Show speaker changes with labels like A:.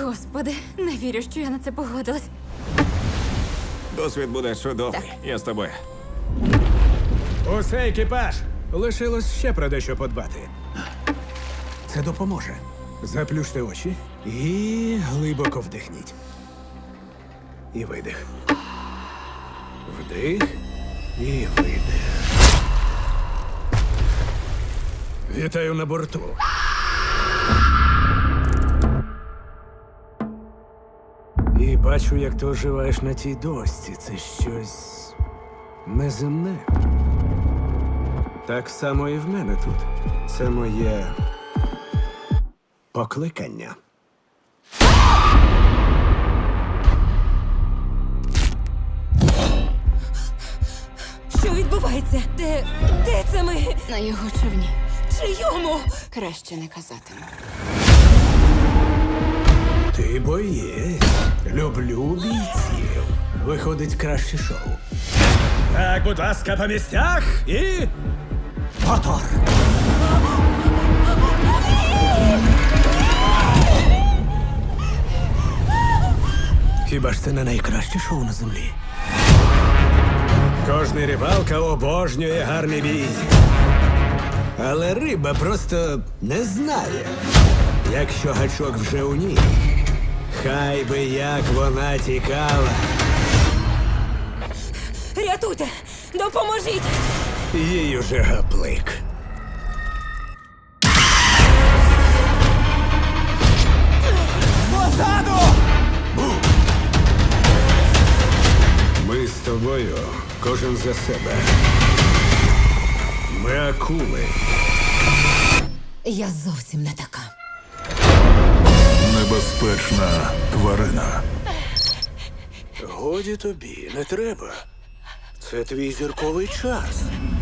A: Господи, не вірю, що я на це погодилась.
B: Досвід буде чудовий.
A: Так.
B: Я з тобою.
C: Усе, екіпаж! Лишилось ще про дещо подбати. Це допоможе. Заплющте очі і глибоко вдихніть. І видих. Вдих і видих. Вітаю на борту. І бачу, як ти оживаєш на тій дошці. Це щось неземне. Так само і в мене тут. Це моє покликання.
A: Що відбувається? Де це ми?
D: На його човні.
A: Чийому?
D: Краще не казатиму.
C: Ти боєць. Люблю бійців. Виходить краще шоу. Так, будь ласка, по місцях і. Мотор! Хіба ж це не найкраще шоу на землі? Кожний рибалка обожнює гарний бій. Але риба просто не знає, якщо гачок вже у ній. Хай би як вона тікала.
A: Рятуйте! Допоможіть!
C: Їй уже гаплик. Позаду! Ми з тобою, кожен за себе. Ми акули.
A: Я зовсім не така.
E: Небезпечна тварина.
C: Годі тобі, не треба. Це твій зірковий час.